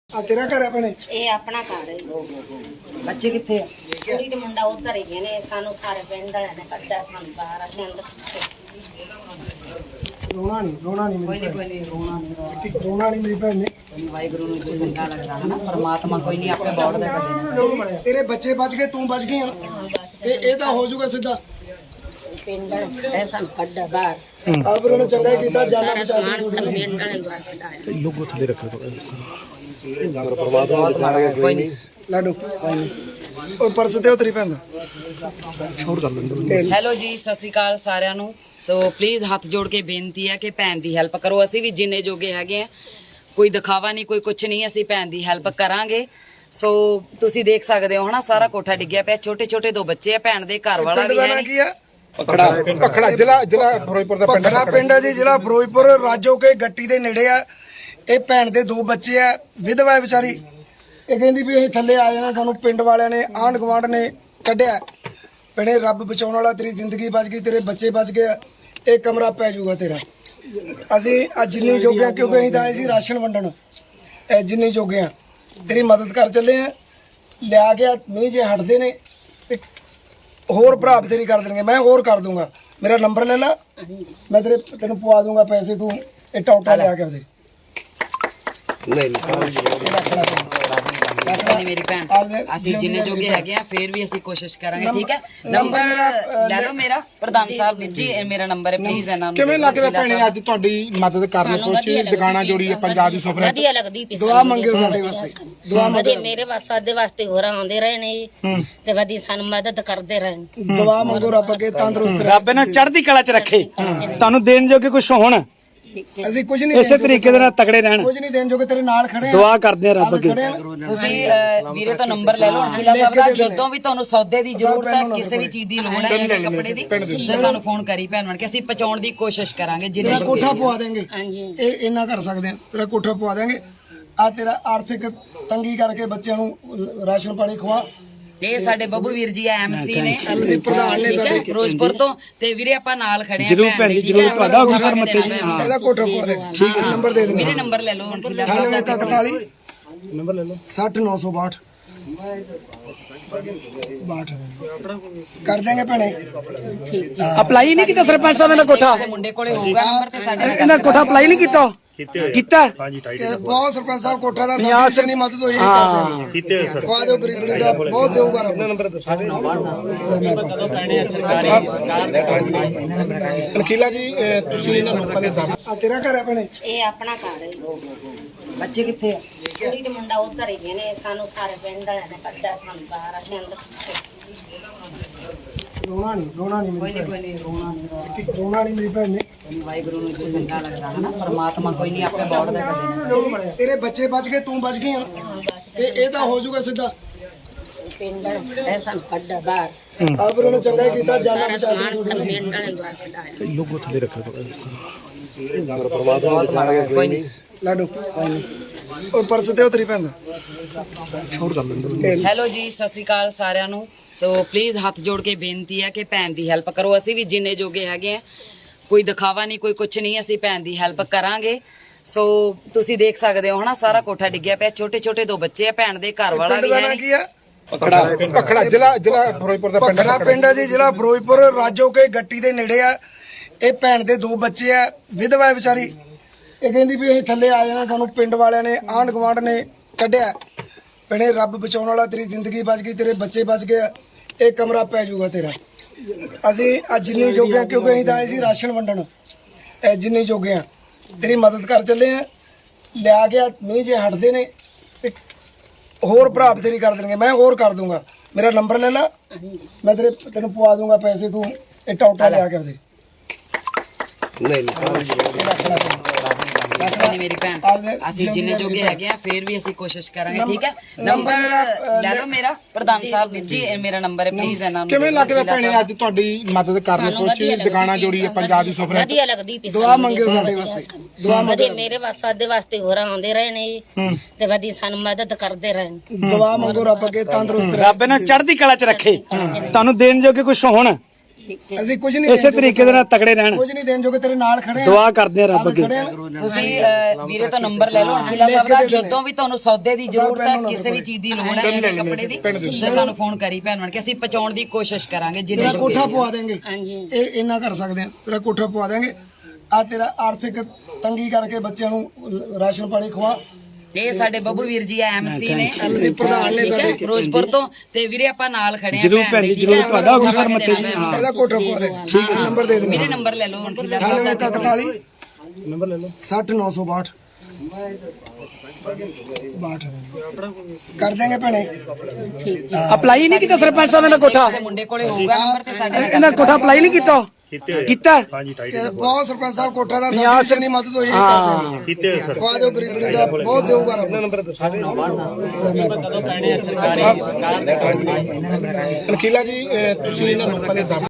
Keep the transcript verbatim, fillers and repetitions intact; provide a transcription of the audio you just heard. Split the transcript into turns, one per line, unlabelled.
ਆ ਤੇਰਾ ਘਰ ਹੈ ਭੈਣੇ?
ਇਹ ਆਪਣਾ ਘਰ ਹੈ।
ਬੱਚੇ ਕਿੱਥੇ ਆ?
ਕੁੜੀ ਤੇ ਮੁੰਡਾ ਉਧਰ ਹੀ ਗਏ ਨੇ। ਸਾਨੂੰ ਸਾਰੇ ਪਿੰਡ ਵਾਲਿਆਂ ਨੇ ਕੱਢਿਆ, ਸਾਨੂੰ ਬਾਹਰ ਅਸੀਂ ਅੰਦਰ
ਰੋਣਾ ਨਹੀਂ ਰੋਣਾ ਨਹੀਂ
ਕੋਈ ਨਹੀਂ ਕੋਈ ਨਹੀਂ ਰੋਣਾ ਨਹੀਂ
ਰੋਣਾ ਨਹੀਂ ਮੇਰੀ ਭੈਣ ਨੇ।
ਵਾਹਿਗੁਰੂ ਨੂੰ ਜੋ ਚੰਗਾ ਲੱਗਦਾ ਹੈ ਨਾ ਪਰਮਾਤਮਾ ਕੋਈ ਨਹੀਂ ਆਪੇ ਬੋੜ ਦੇ ਕੱਢੇ ਨੇ।
ਤੇਰੇ ਬੱਚੇ ਬਚ ਗਏ, ਤੂੰ ਬਚ ਗਈ ਆ ਤੇ ਇਹ ਤਾਂ ਹੋ ਜਾਊਗਾ ਸਿੱਧਾ।
ਪਿੰਡ ਵਾਲੇ ਸਾਨੂੰ ਕੱਢਿਆ ਬਾਹਰ।
ਆ ਫਿਰ ਉਹਨੇ ਚੰਗਾ ਹੀ ਕੀਤਾ, ਜਾਨਾਂ
ਸਾਰਾ
ਬਚਾ
ਸਮਾਨ
ਦਿੱਤੀ।
ਸਾਨੂੰ ਪਿੰਡ ਵਾਲਿਆਂ ਨੇ ਕੱਢਿਆ।
ਲੋਗੋ ਥੱਲੇ ਰੱਖੋ
ਕੋਈ ਨਹੀਂ
ਲਾਡੂ ਉਹ ਪਰਸ ਤੇ ਉਤਰੀ ਪੈਂਦਾ
ਛੋੜ ਕਰ ਲੈਂਦੇ।
ਹੈਲੋ ਜੀ, ਸਤਿ ਸ਼੍ਰੀ ਅਕਾਲ ਸਾਰਿਆਂ ਨੂੰ। ਸੋ ਪਲੀਜ਼ ਹੱਥ ਜੋੜ ਕੇ ਬੇਨਤੀ ਹੈ ਕਿ ਭੈਣ ਦੀ ਹੈਲਪ ਕਰੋ। ਅਸੀਂ ਵੀ ਜਿੰਨੇ ਜੋਗੇ ਹੈਗੇ ਆ, ਕੋਈ ਦਿਖਾਵਾ ਨਹੀਂ, ਕੋਈ ਕੁਛ ਨਹੀਂ, ਅਸੀਂ ਭੈਣ ਦੀ ਹੈਲਪ ਕਰਾਂਗੇ। ਸੋ ਤੁਸੀਂ ਦੇਖ ਸਕਦੇ ਹੋ ਹਨਾ, ਸਾਰਾ ਕੋਠਾ ਡਿੱਗਿਆ ਪਿਆ, ਛੋਟੇ ਛੋਟੇ ਦੋ ਬੱਚੇ ਆ, ਭੈਣ ਦੇ ਘਰ ਵਾਲਾ
ਪਿੰਡ
ਵੀ
ਦਾ
ਹੈ
ਨਾਂ
ਨਹੀਂ।
ਕੀ ਆ?
ਪਖੜਾ ਪਖੜਾ ਜ਼ਿਲ੍ਹਾ ਜ਼ਿਲ੍ਹਾ ਫਿਰੋਜ਼ਪੁਰ ਦਾ ਪਿੰਡ
ਪਖੜਾ ਪਿੰਡ ਹੈ ਜੀ, ਜ਼ਿਲ੍ਹਾ ਫਿਰੋਜ਼ਪੁਰ, ਰਾਜੋ ਕੇ ਗੱਟੀ ਦੇ ਨੇੜੇ ਆ। ਇਹ ਭੈਣ ਦੇ ਦੋ ਬੱਚੇ ਆ, ਵਿਧਵਾ ਹੈ ਵਿਚਾਰੀ। ਇਹ ਕਹਿੰਦੀ ਵੀ ਅਸੀਂ ਥੱਲੇ ਆ ਜਾਣਾ, ਸਾਨੂੰ ਪਿੰਡ ਵਾਲਿਆਂ ਨੇ, ਆਂਢ ਗੁਆਂਢ ਨੇ ਕੱਢਿਆ। ਭੈਣੇ ਰੱਬ ਬਚਾਉਣ ਵਾਲਾ, ਤੇਰੀ ਜ਼ਿੰਦਗੀ ਬਚ ਗਈ, ਤੇਰੇ ਬੱਚੇ ਬਚ ਗਏ। ਇਹ ਕਮਰਾ ਪੈ ਜਾਊਗਾ ਤੇਰਾ। ਅਸੀਂ ਅੱਜ ਜਿੰਨੀ ਜੋਗੇ ਆ, ਕਿਉਂਕਿ ਅਸੀਂ ਤਾਂ ਆਏ ਸੀ ਰਾਸ਼ਨ ਵੰਡਣ, ਇਹ ਜਿੰਨੀ ਜੋਗੇ ਆ ਤੇਰੀ ਮਦਦ ਕਰ ਚੱਲੇ ਆ। ਲਿਆ ਕੇ ਮੀਂਹ ਜੇ ਹਟਦੇ ਨੇ ਤੇ ਹੋਰ ਭਰਾ ਤੇਰੀ ਕਰ ਦੇਣਗੇ, ਮੈਂ ਹੋਰ ਕਰ ਦੂੰਗਾ। ਮੇਰਾ ਨੰਬਰ ਲੈ ਲਾ, ਮੈਂ ਤੇਰੇ ਤੈਨੂੰ ਪਵਾ ਦੂੰਗਾ ਪੈਸੇ। ਤੂੰ ਇਹ ਟੌਟਾ ਲਿਆ ਕੇ ਉਹਦੇ
ਨਹੀਂ ਮੇਰੀ ਭੈਣ, ਅਸੀਂ ਜਿੰਨੇ ਜੋਗੇ ਹੈਗੇ ਆ, ਫੇਰ ਵੀ ਅਸੀਂ ਕੋਸ਼ਿਸ਼ ਕਰਾਂਗੇ। ਠੀਕ ਹੈ, ਨੰਬਰ ਲੈ ਲਓ ਮੇਰਾ। ਪ੍ਰਧਾਨ ਸਾਹਿਬ ਜੀ, ਇਹ ਮੇਰਾ ਨੰਬਰ ਹੈ, ਪਲੀਜ਼ ਇਹਨਾਂ ਨੂੰ।
ਕਿਵੇਂ ਲੱਗਦਾ ਭੈਣੇ ਅੱਜ ਤੁਹਾਡੀ ਮਦਦ ਕਰਨ ਕੋਸ਼ਿਸ਼ ਦੁਕਾਨਾ ਜੋੜੀ ਹੈ ਪੰਜਾਬ ਦੀ ਸੁਪਰ
ਵਧੀਆ ਲੱਗਦੀ ਪਈ
ਦੁਆ ਮੰਗਿਓ ਸਾਡੇ ਵਾਸਤੇ, ਦੁਆ
ਵਧੀਆ ਮੇਰੇ ਵਾਸਤੇ ਦੇ ਵਾਸਤੇ ਹੋਰ ਆਉਂਦੇ ਰਹੇ ਨੇ ਜੀ, ਤੇ ਵਧੀਆ ਸਾਨੂੰ ਮਦਦ ਕਰਦੇ ਰਹੇ ਨੇ।
ਦੁਆ ਮੰਗੋ ਰੱਬ ਅੱਗੇ ਤੰਦਰੁਸਤ ਰਹੇ।
ਰੱਬ ਇਹਨਾਂ ਚੜ੍ਹਦੀ ਕਲਾ 'ਚ ਰੱਖੇ, ਤੁਹਾਨੂੰ ਦੇਣ ਜੋਗੇ ਕੁਝ ਹੋਣ,
ਅਸੀਂ ਕੁਝ ਨਹੀਂ
ਇਸੇ ਤਰੀਕੇ ਦੇ ਨਾਲ ਤਗੜੇ ਰਹਿਣ।
ਕੁਝ ਨਹੀਂ ਦੇਣ ਜੋਗੇ, ਤੇਰੇ ਨਾਲ ਖੜੇ ਆ।
ਦੁਆ ਕਰਦੇ ਆ ਰੱਬ ਅੱਗੇ।
ਤੁਸੀਂ ਅਹ, ਵੀਰੇ ਤੋਂ ਨੰਬਰ ਲੈ ਲਓ ਅਨਕਿਲਾ ਸਾਹਿਬ ਦਾ। ਜਦੋਂ ਵੀ ਤੁਹਾਨੂੰ ਸੌਦੇ ਦੀ ਜ਼ਰੂਰਤ ਹੈ, ਕਿਸੇ ਵੀ ਚੀਜ਼ ਦੀ ਲੋੜ ਹੈ, ਜਾਂ ਕੱਪੜੇ ਦੀ, ਤੇ ਸਾਨੂੰ ਫੋਨ ਕਰੀ ਭੈਣ ਬਣ ਕੇ, ਅਸੀਂ ਪਹੁੰਚਾਉਣ ਦੀ ਕੋਸ਼ਿਸ਼ ਕਰਾਂਗੇ।
ਤੇਰਾ
ਜਿੰਨੇ
ਕੋਠਾ ਪਵਾ ਦੇਂਗੇ,
ਹਾਂਜੀ
ਇਹ ਇੰਨਾ ਕਰ ਸਕਦੇ ਆ। ਤੇਰਾ ਕੋਠਾ ਪਵਾ ਦੇਂਗੇ। ਆ ਤੇਰਾ ਆਰਥਿਕ ਤੰਗੀ ਕਰਕੇ ਬੱਚਿਆਂ ਨੂੰ ਰਾਸ਼ਨ ਪਾਣੀ ਖਵਾ।
ਇਹ ਸਾਡੇ ਬੱਬੂ ਵੀਰ ਜੀ ਆ, ਐਮਸੀ ਨੇ,
ਐਮਸੀ ਪ੍ਰਧਾਨ ਨੇ
ਠੀਕ ਹੈ,
ਸਾਡੇ
ਫਿਰੋਜ਼ਪੁਰ ਤੋਂ। ਤੇ ਵੀਰੇ ਆਪਾਂ ਨਾਲ ਖੜੇ ਆ
ਜਰੂਰ
ਭੈਣ
ਭੈਣ
ਦੇ,
ਜੀ,
ਠੀਕ
ਜਰੂਰ
ਹੈ?
ਤੁਹਾਡਾ ਹੁਕਮ ਸਰ ਮੱਤੇ ਜੀ। ਹਾਂ
ਇਹਦਾ ਕੋਠਾ ਪਵਾ ਦੇ। ਠੀਕ ਹੈ, ਨੰਬਰ ਦੇ ਦੇਣਾ।
ਮੇਰੇ ਨੰਬਰ ਲੈ ਲਓ ਅਨਕਿਲਾ ਸਾਹਿਬ ਦਾ।
ਇਕਤਾਲੀ ਨੰਬਰ ਲੈ ਲਓ ਸੱਠ ਨੌ ਸੌ ਬਾਹਠ ਬਾਹਠ ਕਰ ਦੇਂਗੇ ਭੈਣੇ।
ਠੀਕ
ਅਪਲਾਈ ਨਹੀਂ ਕੀਤਾ ਸਰਪੰਚ ਸਾਹਿਬ ਇਹਨਾਂ ਕੋਠਾ?
ਕਿਸੇ ਮੁੰਡੇ ਕੋਲੇ ਹੋਊਗਾ ਨੰਬਰ, ਤੇ ਸਾਡੇ ਨਾਲ
ਇਹਨਾਂ ਕੋਠਾ ਅਪਲਾਈ ਨਹੀਂ ਕੀਤਾ? ਕੀਤਾ
ਇਹ ਬਹੁਤ ਸਰਪੰਚ ਸਾਹਿਬ ਕੋਠਾ ਦਾ ਸਾਡੀ ਜਿੰਨੀ ਮਦਦ ਹੋਈ ਹੈ ਕਰਦੇ ਪਵਾ ਦਿਓ, ਗਰੀਬੀ ਦਾ ਬਹੁਤ ਦੇਊਗਾ ਰੱਬ। ਨੰਬਰ ਦੱਸੋ।
ਅਨਕੀਲਾ ਜੀ, ਅਹ ਤੁਸੀਂ ਇਹਨਾਂ ਲੋਕਾਂ ਦੇ ਦਰ
ਆ ਤੇਰਾ ਘਰ ਹੈ ਭੈਣੇ?
ਇਹ ਆਪਣਾ ਘਰ ਹੈ।
ਬੱਚੇ ਕਿੱਥੇ ਆ?
ਕੁੜੀ ਤੇ ਮੁੰਡਾ ਉਧਰ ਹੀ ਗਏ ਨੇ। ਸਾਨੂੰ ਸਾਰੇ ਪਿੰਡ ਵਾਲਿਆਂ ਨੇ ਕੱਢਿਆ, ਸਾਨੂੰ ਬਾਹਰ ਅਸੀਂ ਅੰਦਰ
ਰੋਣਾ ਨਹੀਂ ਰੋਣਾ ਨਹੀਂ
ਕੋਈ
ਮੇਰੀ
ਨਹੀਂ ਕੋਈ ਨਹੀਂ ਰੋਣਾ ਨਹੀਂ
ਭੈਣ। ਰੋਣਾ ਨਹੀਂ ਮੇਰੀ ਭੈਣ ਨੇ।
ਵਾਹਿਗੁਰੂ ਨੂੰ ਜੋ ਚੰਗਾ ਲੱਗਦਾ ਹੈ ਨਾ ਪਰਮਾਤਮਾ ਕੋਈ ਨਹੀਂ ਆਪੇ ਬੋੜ ਦੇ ਕੱਢੇ ਨੇ।
ਤੇਰੇ ਬੱਚੇ ਬਚ ਗਏ, ਤੂੰ ਬਚ ਗਈ ਆ ਤੇ ਇਹ ਤਾਂ ਹੋ ਜਾਊਗਾ ਸਿੱਧਾ।
ਪਿੰਡ ਵਾਲੇ ਸਾਨੂੰ ਕੱਢਿਆ ਬਾਹਰ।
ਆ ਫਿਰ ਉਹਨੇ ਚੰਗਾ ਹੀ ਕੀਤਾ, ਜਾਨਾਂ
ਸਾਰਾ
ਬਚਾ
ਸਮਾਨ
ਦਿੱਤੀ।
ਸਾਨੂੰ ਪਿੰਡ ਵਾਲਿਆਂ ਨੇ ਕੱਢਿਆ।
ਲੋਗੋ ਥੱਲੇ ਰੱਖੋ
ਕੋਈ ਨਹੀਂ
ਲਾਡੂ ਉਹ ਪਰਸ ਤੇ ਉਤਰੀ ਪੈਂਦਾ
ਛੋੜ ਕਰ ਲੈਂਦੇ।
ਹੈਲੋ ਜੀ, ਸਤਿ ਸ਼੍ਰੀ ਅਕਾਲ ਸਾਰਿਆਂ ਨੂੰ। ਸੋ ਪਲੀਜ਼ ਹੱਥ ਜੋੜ ਕੇ ਬੇਨਤੀ ਹੈ ਕਿ ਭੈਣ ਦੀ ਹੈਲਪ ਕਰੋ। ਅਸੀਂ ਵੀ ਜਿੰਨੇ ਜੋਗੇ ਹੈਗੇ ਆ, ਕੋਈ ਦਿਖਾਵਾ ਨਹੀਂ, ਕੋਈ ਕੁਛ ਨਹੀਂ, ਅਸੀਂ ਭੈਣ ਦੀ ਹੈਲਪ ਕਰਾਂਗੇ। ਸੋ ਤੁਸੀਂ ਦੇਖ ਸਕਦੇ ਹੋ ਹਨਾ, ਸਾਰਾ ਕੋਠਾ ਡਿੱਗਿਆ ਪਿਆ, ਛੋਟੇ ਛੋਟੇ ਦੋ ਬੱਚੇ ਆ, ਭੈਣ ਦੇ ਘਰ ਵਾਲਾ
ਪਿੰਡ
ਵੀ
ਦਾ
ਹੈ
ਨਾਂ
ਨਹੀਂ।
ਕੀ ਆ?
ਪਖੜਾ ਪਖੜਾ ਜ਼ਿਲ੍ਹਾ ਜ਼ਿਲ੍ਹਾ ਫਿਰੋਜ਼ਪੁਰ ਦਾ ਪਿੰਡ
ਪਖੜਾ ਪਿੰਡ ਹੈ ਜੀ, ਜ਼ਿਲ੍ਹਾ ਫਿਰੋਜ਼ਪੁਰ, ਰਾਜੋ ਕੇ ਗੱਟੀ ਦੇ ਨੇੜੇ ਆ। ਇਹ ਭੈਣ ਦੇ ਦੋ ਬੱਚੇ ਆ, ਵਿਧਵਾ ਹੈ ਵਿਚਾਰੀ। ਇਹ ਕਹਿੰਦੀ ਵੀ ਅਸੀਂ ਥੱਲੇ ਆ ਜਾਣਾ, ਸਾਨੂੰ ਪਿੰਡ ਵਾਲਿਆਂ ਨੇ, ਆਂਢ ਗੁਆਂਢ ਨੇ ਕੱਢਿਆ। ਭੈਣੇ ਰੱਬ ਬਚਾਉਣ ਵਾਲਾ, ਤੇਰੀ ਜ਼ਿੰਦਗੀ ਬਚ ਗਈ, ਤੇਰੇ ਬੱਚੇ ਬਚ ਗਏ। ਇਹ ਕਮਰਾ ਪੈ ਜਾਊਗਾ ਤੇਰਾ। ਅਸੀਂ ਅੱਜ ਜਿੰਨੀ ਜੋਗੇ ਆ, ਕਿਉਂਕਿ ਅਸੀਂ ਤਾਂ ਆਏ ਸੀ ਰਾਸ਼ਨ ਵੰਡਣ, ਇਹ ਜਿੰਨੀ ਜੋਗੇ ਆ ਤੇਰੀ ਮਦਦ ਕਰ ਚੱਲੇ ਆ। ਲਿਆ ਕੇ ਮੀਂਹ ਜੇ ਹਟਦੇ ਨੇ ਤੇ ਹੋਰ ਭਰਾ ਤੇਰੀ ਕਰ ਦੇਣਗੇ, ਮੈਂ ਹੋਰ ਕਰ ਦੂੰਗਾ। ਮੇਰਾ ਨੰਬਰ ਲੈ ਲਾ, ਮੈਂ ਤੇਰੇ ਤੈਨੂੰ ਪਵਾ ਦੂੰਗਾ ਪੈਸੇ। ਤੂੰ ਇਹ ਟੌਟਾ ਲਿਆ ਕੇ ਉਹਦੇ
ਨਹੀਂ ਮੇਰੀ ਭੈਣ, ਅਸੀਂ ਜਿੰਨੇ ਜੋਗੇ ਹੈਗੇ ਆ, ਫੇਰ ਵੀ ਅਸੀਂ ਕੋਸ਼ਿਸ਼ ਕਰਾਂਗੇ। ਠੀਕ ਹੈ, ਨੰਬਰ ਲੈ ਲਓ ਮੇਰਾ। ਪ੍ਰਧਾਨ ਸਾਹਿਬ ਜੀ, ਇਹ ਮੇਰਾ ਨੰਬਰ ਹੈ, ਪਲੀਜ਼ ਇਹਨਾਂ ਨੂੰ।
ਕਿਵੇਂ ਲੱਗਦਾ ਭੈਣੇ ਅੱਜ ਤੁਹਾਡੀ ਮਦਦ ਕਰਨ ਕੋਸ਼ਿਸ਼ ਦੁਕਾਨਾ ਜੋੜੀ ਹੈ ਪੰਜਾਬ ਦੀ ਸੁਪਰ
ਵਧੀਆ ਲੱਗਦੀ ਪਈ
ਦੁਆ ਮੰਗਿਓ ਸਾਡੇ ਵਾਸਤੇ, ਦੁਆ
ਵਧੀਆ ਮੇਰੇ ਵਾਸਤੇ ਦੇ ਵਾਸਤੇ ਹੋਰ ਆਉਂਦੇ ਰਹੇ ਨੇ ਜੀ, ਤੇ ਵਧੀਆ ਸਾਨੂੰ ਮਦਦ ਕਰਦੇ ਰਹੇ ਨੇ।
ਦੁਆ ਮੰਗੋ ਰੱਬ ਅੱਗੇ ਤੰਦਰੁਸਤ ਰਹੇ।
ਰੱਬ ਇਹਨਾਂ ਚੜ੍ਹਦੀ ਕਲਾ 'ਚ ਰੱਖੇ, ਤੁਹਾਨੂੰ ਦੇਣ ਜੋਗੇ ਕੁਝ ਹੋਣ,
ਅਸੀਂ ਕੁਝ ਨਹੀਂ
ਇਸੇ ਤਰੀਕੇ ਦੇ ਨਾਲ ਤਕੜੇ ਰਹਿਣ
ਕੁਝ ਨਹੀਂ ਦੇਣ ਜੋਗੇ, ਤੇਰੇ ਨਾਲ ਖੜੇ ਆ।
ਦੁਆ ਕਰਦੇ ਆ ਰੱਬ ਅੱਗੇ।
ਖੜੇ ਆ।
ਤੁਸੀਂ ਅਹ, ਵੀਰੇ ਤੋਂ ਨੰਬਰ ਲੈ ਲਓ ਅਣਖੀਲਾ ਸਾਹਿਬ ਦਾ। ਜਦੋਂ ਵੀ ਤੁਹਾਨੂੰ ਸੌਦੇ ਦੀ ਜ਼ਰੂਰਤ ਹੈ, ਕਿਸੇ ਵੀ ਚੀਜ਼ ਦੀ ਲੋੜ ਹੈ, ਇਹਦੇ ਕੱਪੜੇ ਦੀ, ਤੇ ਸਾਨੂੰ ਫੋਨ ਕਰੀ ਭੈਣ ਬਣ ਕੇ, ਅਸੀਂ ਪਹੁੰਚਾਉਣ ਦੀ ਕੋਸ਼ਿਸ਼ ਕਰਾਂਗੇ ਜਿੰਨੇ
ਤੇਰਾ
ਜੋਗੇ
ਕੋਠਾ
ਵੀ।
ਪਵਾ ਦੇਂਗੇ,
ਹਾਂਜੀ
ਇਹ ਇੰਨਾ ਕਰ ਸਕਦੇ ਆ, ਤੇਰਾ ਕੋਠਾ ਪਵਾ ਦੇਂਗੇ। ਆ ਤੇਰਾ ਆਰਥਿਕ ਤੰਗੀ ਕਰਕੇ ਬੱਚਿਆਂ ਨੂੰ ਰਾਸ਼ਨ ਪਾਣੀ ਖਵਾ।
ਇਹ ਸਾਡੇ ਬੱਬੂ ਵੀਰ ਜੀ ਐਮਸੀ ਨੇ,
ਐਮਸੀ ਪ੍ਰਧਾਨ ਨੇ
ਠੀਕ ਹੈ,
ਸਾਡੇ।
ਫਿਰੋਜ਼ਪੁਰ ਤੋਂ। ਤੇ ਵੀਰੇ ਆਪਾਂ ਨਾਲ ਖੜੇ ਆ
ਜ਼ਰੂਰ ਭੈਣ ਜੀ,
ਠੀਕ ਹੈ।
ਜ਼ਰੂਰ ਤੁਹਾਡਾ ਹੁਕਮ ਸਰ ਮੱਥੇ ਜੀ। ਹਾਂ
ਇਹਦਾ ਕੋਠਾ ਪਵਾ ਦੇ। ਠੀਕ ਹੈ, ਨੰਬਰ ਦੇ ਦੇ।
ਵੀਰੇ ਨੰਬਰ ਲੈ ਲਓ ਅਣਖੀਲਾ ਸਾਹਿਬ
ਅਠਾਨਵੇਂ
ਦਾ।
ਇਕਤਾਲੀ ਨੰਬਰ ਲੈ ਲਓ ਸੱਠ ਨੌ ਸੌ ਬਾਹਠ ਬਾਹਠ ਕਰ ਦੇਂਗੇ ਭੈਣੇ।
ਠੀਕ
ਅਪਲਾਈ ਨਹੀਂ ਕੀਤਾ ਸਰਪੰਚ ਸਾਹਿਬ ਨੇ ਕੋਠਾ?
ਕਿਸੇ ਮੁੰਡੇ ਕੋਲੇ ਹੋਊਗਾ ਨੰਬਰ ਤੇ ਸਾਡੇ ਨਾਲ
ਇਹਨਾਂ ਕੋਠਾ ਅਪਲਾਈ ਨਹੀਂ ਕੀਤਾ? ਕੀਤਾ
ਇਹ ਬਹੁਤ ਸਰਪੰਚ ਸਾਹਿਬ ਕੋਠਾ ਦਾ ਸਾਡੀ ਜਿੰਨੀ ਮਦਦ ਹੋਈ ਹੈ ਕਰਦੇ ਨੇ।
ਕੀਤੇ ਸਰ।
ਪਵਾ ਦਿਓ ਗਰੀਬਣੀ ਦਾ, ਬਹੁਤ ਦੇਊਗਾ ਰੱਬ। ਨੰਬਰ ਦੱਸੋ।
ਅਣਖੀਲਾ ਜੀ, ਅਹ, ਤੁਸੀਂ ਇਹਨਾਂ ਲੋਕਾਂ ਦੇ ਦਮ